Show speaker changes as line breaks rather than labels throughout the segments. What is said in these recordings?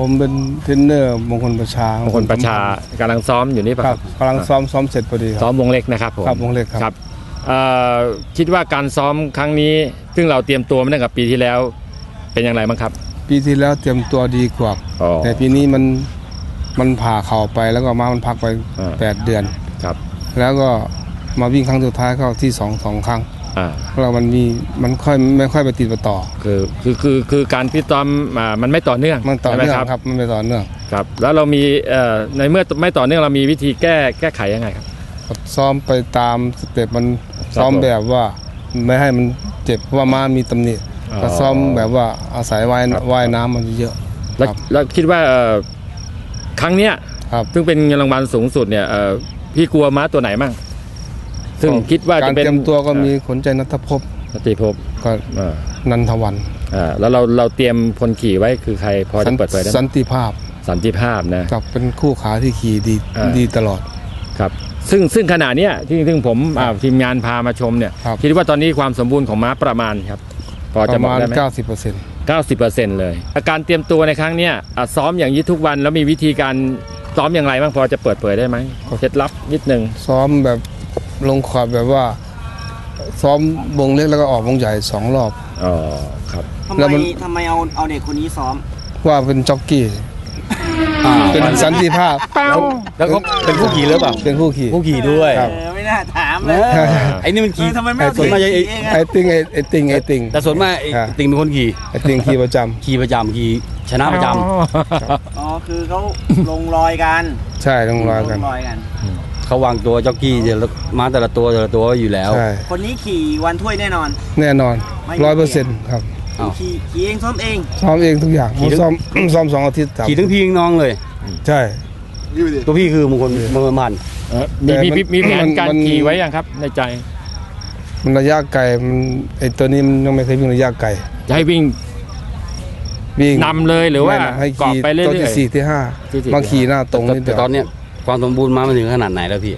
ผมเป็นเทรนเนอร์มงคลประชาม
งคลประชากำลังซ้อมอยู่นี่ป่ะครับ
กำลังซ้อมเสร็จพอดี
ซ้อมวงเล็กนะครับผม
ครับวงเล็กครับ
คิดว่าการซ้อมครั้งนี้ซึ่งเราเตรียมตัวมาตั้งแต่ปีที่แล้วเป็นอย่างไรบ้างครับ
ปีที่แล้วเตรียมตัวดีกว่าแต่ปีนี้มันผ่าเข่าไปแล้วก็มันพักไป8 เดือน
ครับ
แล้วก็มาวิ่งครั้งสุดท้ายเข้าที่สองครั้งแล้วมันไม่ค่อยไปติดต่อ
คือการพิซ้อมมันไม่ต่อเนื่อง
มันต่อเนื่องครับมันไม่ต่อเนื่อง
ครับแล้วเรามีในเมื่อไม่ต่อเนื่องเรามีวิธีแก้ไขยังไงครับ
ซ้อมไปตามสเต็ปมันซ้อมแบบว่าไม่ให้มันเจ็บเพราะว่าม้ามีตำหนิก็ซ้อมแบบว่าอาศัยว่ายน้ำมันเยอะ
แล้วคิดว่าครั้งเนี้ยซึ่งเป็นเงินรางวัลสูงสุดเนี่ยพี่กลัวม้าตัวไหนมั่งซึ่งคิดว่าจะเป็น
การเตรียมตัวก็มีขนใจนัทภพก็นันทวัน
แล้วเราเตรียมพลขี่ไว้คือใครพอจะเปิดเผยได้
สันติภาพนะครับเป็นคู่ขาที่ขี่ดีตลอด
ครับซึ่งขณะเนี้ยที่ผมทีมงานพามาชมเนี่ยคิดว่าตอนนี้ความสมบูรณ์ของม้าประมาณครับพอจะบอกได้ไหม90%เลยการเตรียมตัวในครั้งเนี้ยซ้อมอย่างนี้ทุกวันแล้วมีวิธีการซ้อมอย่างไรบ้างพอจะเปิดเผยได้ไหมเคล็ดลับนิดนึง
ซ้อมแบบลงขอบแบบว่าซ้อมวงเล็กแล้วก็ออกวงใหญ่2 รอบ
ครับ
ทำไมเอาเด็กคนนี้ซ้อม
ว่าเป็นจ็อกกี้เป็นสันติภาพ
แล้วก็เป็นผู้ขี่หรือเปล่า
เป็นผู้ขี่
ด้วย
ไม่น่าถามเลย
ไอ้นี่มันขี่
ทำไมไม่เอา
ไอ้ติง
แต่ส่วนมากไอ้ติงเป็นคนขี่
ไอ้ติงขี่ประจำ
ขี่ชนะประจ
ำอ๋อคือเขาลงรอยกัน
ใช่ลงรอยกัน
เขาวางตัวจ็อกกี้ม้าแต่ละตัวอยู่แล้ว
คนนี้ขี่วันถ้วยแน่นอน
100%ครับ
ขี่เองซ้อมเ
องทุกอย่างซ้อม2 อาทิตย์
ขี่ทั้งพี่น้องเลย
ใช่
ตัวพี่คือมงคลมัน
มีแผนการขี่ไว้ยังครับในใจ
มันระยะไกลไอตัวนี้มันยังไม่เคยวิ่งระยะไกล
จะให้วิ่งนำเลยหรือว่าเกาะไปเรื่อยๆ
ตัวที่4 ที่ 5มาขี่หน้าตรงนี่
แต่ตอนเนี้ยความสมบูรณ์มาถึงขนาดไหนแล้วพี่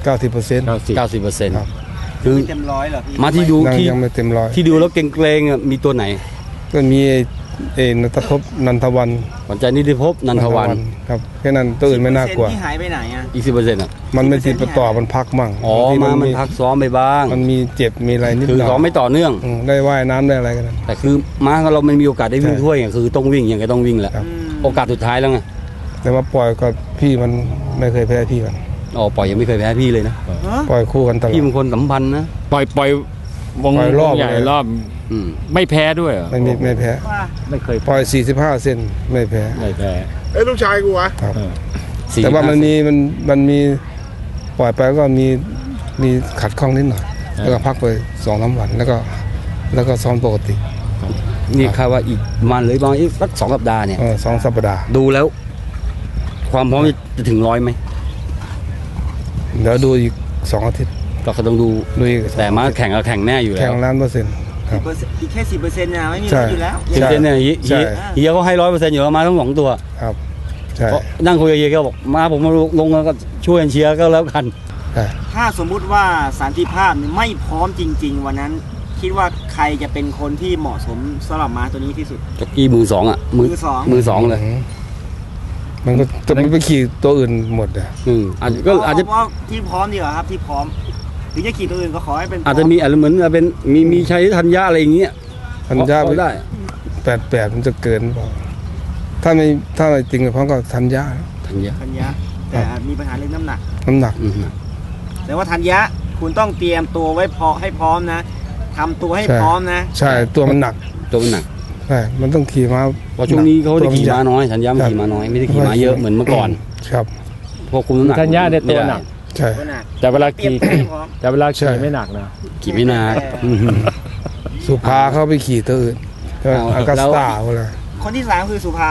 90%
คือเต็มร้อยเหรอพี่
มาที่ดู
ยังไม่เต็มร้อย
ที่ดูแล้วเกรงๆมีตัวไหน
ก็มีนัทภพนันทวัน
ขวัญใจนิติภพนันทวัน
ครับแค่นั้นตัวอื่นไม่น่ากลัว
ที่หายไปไหน
อีก10%
มันไม่ติดต่อมันพักมั่ง
มันพักซ้อมไปบ้าง
มันมีเจ็บมีอะไรนิดหน่อย
คือซ้อมไม่ต่อเนื่อง
ได้ว่ายน้ำได้อะไรกัน
แต่คือม้าเรามันมีโอกาสได้วิ่งถ้วยคือต้องวิ่งยังไงต้องวิ่งแหละโอกาสสุดท้ายแล้วไง
แต่ว่าปล่อยก็พี่มันไม่เคยแพ้พี่กัน
ปล่อยยังไม่เคยแพ้พี่เลยนะ
ปล่อยคู่กันตลอด
พี่เป็นคนสัมพันธ์นะ
ปล่อยวงรอบใหญ่รอบไม่แพ้ด้วยเหรอ
ไม่แพ้
ไม่เคย
ปล่อย45 เซนไม่แพ้
ลูกชายกูวะ
แต่ว่ามันมีปล่อยไปก็มีขัดข้องนิดหน่อยแล้วก็พักไป2-3 วันแล้วก็ซ้อมปกติ
นี่คาดว่าอีกมันเลยบางอีกสัก2 สัปดาห์เนี่ย
2 สัปดาห์
ดูแล้วความพร้อมจะถึง100ไหม
เดี๋ยวดูอีก2 อาทิตย์
เราต้องดูแต่มาแข่งแน่อยู่แล้ว
แข่ง100%
อีกแค่10%นะไม่มีอยู่แล้ว
10%เนี่ยเฮียเขาให้100%อยู่แล้วมาทั้ง2 ตัว
ครับใช่
นั่งคุยกับเฮียก็บอกมาผมมาลงแล้วก็ช่วยเชียร์ก็แล้วกัน
ถ้าสมมุติว่าสันติภาพไม่พร้อมจริงๆวันนั้นคิดว่าใครจะเป็นคนที่เหมาะสมสำหรับม้าตัวนี้ที่สุด
จ็อกกี้มือ2อ่ะมือ2เลย
มันก็จะไม่ไปขี่ตัวอื่นหมด
อาจจะที่พร้อมดีกว่าครับที่พร้อมหรือจะขี่ตัวอื่นก็ขอให้เป็น
อาจจะมีอะไรเหมือนเป็นมีชัยธัญญาอะไรอย่างเงี้ย
ธัญญาไม่ได้88มันจะเกินถ้าไม่จริงเพราะก็ธัญญา
แต่มีปัญหาเรื่องน้ำหนักแต่ว่าธัญญาคุณต้องเตรียมตัวไว้ให้พร้อมนะทำตัวให้พร้อมนะ
ใช่ตัวมันหนักใช่มันต้องขี่ม้า
เพราะช่วงนี้เขาได้ขี่ม้าน้อยธัญญาขี่ม้าน้อยไม่ได้ขี่ม้าเยอะเหมือนเมื่อก่อน
ครับ
พวกคุมน้ำหนัก
ธัญญาเนี่ยตัวหนัก
ใช่
แต่เวลาขี่ไม่หนักนะ
ขี่ไม่หนัก
สุภาเข้าไปขี่ตัวอื่นอากาสตาอะไร
คนที่3คือสุภา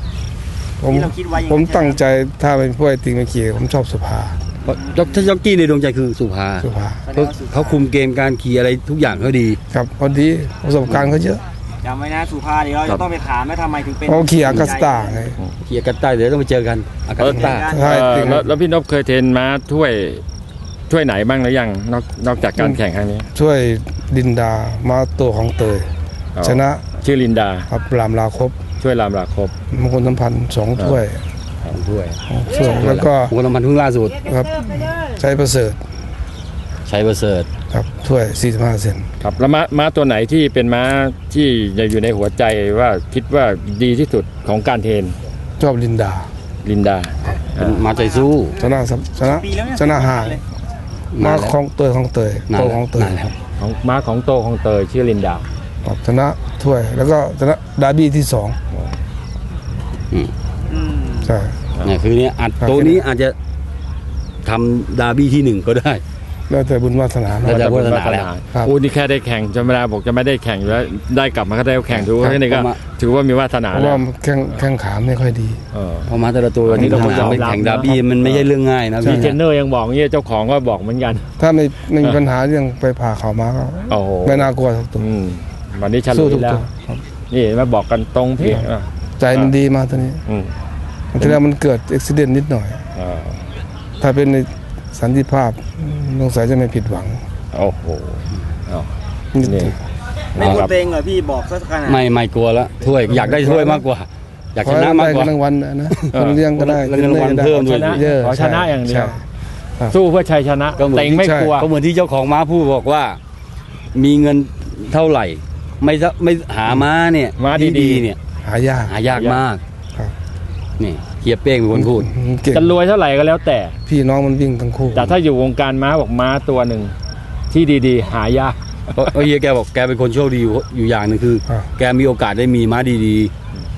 ผมตั้งใจถ้าเป็นผู้ไอติงมาขี่ผมชอบสุภา
ถ้าจ็อกกี้ในดวงใจคือสุภาเขาคุมเกมการขี่อะไรทุกอย่างเขาดี
ครับพอดีประสบการณ์เขาเยอะ
จำไว้นะสุภาเดี๋ยวเราจะต้องไปถามว่าทำไมถึงเป็น
เขาขี่อากาสตาไง
ขี่อากาสตาเดี๋ยวต้องไปเจอกันอากาสตา
ใช่
แล้วพี่นพเคยเทรนม้าถ้วยไหนบ้างหรือยังนอกจากการแข่งครั้งนี้
ช่วยลินดามาตัวของเตยชนะ
ชื่อลินดา
ครับรามลาคบ
ช่วยรามราคบ
มงคลสัมพันธ์2 ถ้วย
ด้วย
แล้วก็
หัวน้ำมันเพิ่งล่าสุด
ครับใช้ประเสริฐ
ชัยประเสริฐ
ครับถ้วย45 เซน
ครับแล้วม้าตัวไหนที่เป็นม้าที่อยู่ในหัวใจว่าคิดว่าดีที่สุดของการเทรน
ชอบลินดา
ลินดา
มาใจสู้
ชนะ
ปีแล้วเนี่ย
ชนะห่าง
เลย
มาของเตยโตของเตย
นานแล้ว
ของม้าของโตของเตยชื่อลินดา
ครับชนะถ้วย แล้วก็ชนะดาร์บี้ที่
อืม
2ใช่
เนี่ยคือเนี่ยตัวนี้อาจจะทำดาร์บี้ที่ 1ก็ได้
แล้วแต่บุญวาสนา
แล้วแต่
เนาะ
วาสนาแล้ว
ครับ
โอ้นี่แค่ได้แข่งจนเวลาบอกจะไม่ได้แข่งอยู่แล้วได้กลับมาก็ได้แข่งถือว่า
ครับ
นี่ก็ถือว่ามีวาสนา
เพราะ
แล้
ว่าว แข้งขาไม่ค่อยดี
เพราะมาแต่ละตัว
อันนี้
ที่
เรา
ทำ
ยอม
ไป
รับ
แข่งดาร์บี้มันไม่ใช่เรื่องง่ายนะ
พี่
พี่
เทรนเนอร์ยังบอกเงี้ยเจ้าของก็บอกเหมือนกัน
ถ้าไม่มีปัญหาเรื่องไปผ่าเข่ามาก็
โอ้โห
ไม่น่ากลัวทุกตัว
วันนี้เฉล
สู้
ย
ทุก
แล้
ตัว วครับ
นี่มาบอกกันตรงพี่
ใจมันดีมาตอนนี้
อืม
ทีแรกมันเกิดอุบิเหตุนิดหน่อย ถ้าเป็นในสันติภาพสงสัยจะไม่ผิดหวัง
โอ้โห
นิด
นี่
ไม่กลัวเตงเหรอพี่บอกสักขนาด
ไม่กลัวแล้วถ้วยอยากได้ถ้วยมากกว่า อยาก
ขอ
ช
ให้
นะมาก
ได้
กว่า
รางวัลนะคนเลี้ยงก็ได้
แล้วเงินรางวัลเพิ่ม
ช
ด้วย
นะ
เยอะ
ขอชนะอย่างเดียว
ใช่
สู้เพื่อชัยชนะ
ก็เหมือน
เต็งไม่กลัว
ก็เหมือนที่เจ้าของม้าพูดบอกว่า มีเงินเท่าไหร่ ไม่หาม้าเนี่ย
ม้า
ที่
ดีๆ
เนี่ย
หายาก
หายากมาก
ครับ
นี่เฮียเป้งเป็นคนพูด
เก่ง
จะรวยเท่าไหร่ก็แล้วแต่
พี่น้องมันวิ่งทั้งคู่
แต่ถ้าอยู่วงการม้าบอกม้าตัวหนึ่งที่ดีๆ หายาก
เพราะเฮียแกบอกแกเป็นคนโชคดีอยู่อย่างหนึงคือ
ครับ
แกมีโอกาสได้มีม้าดี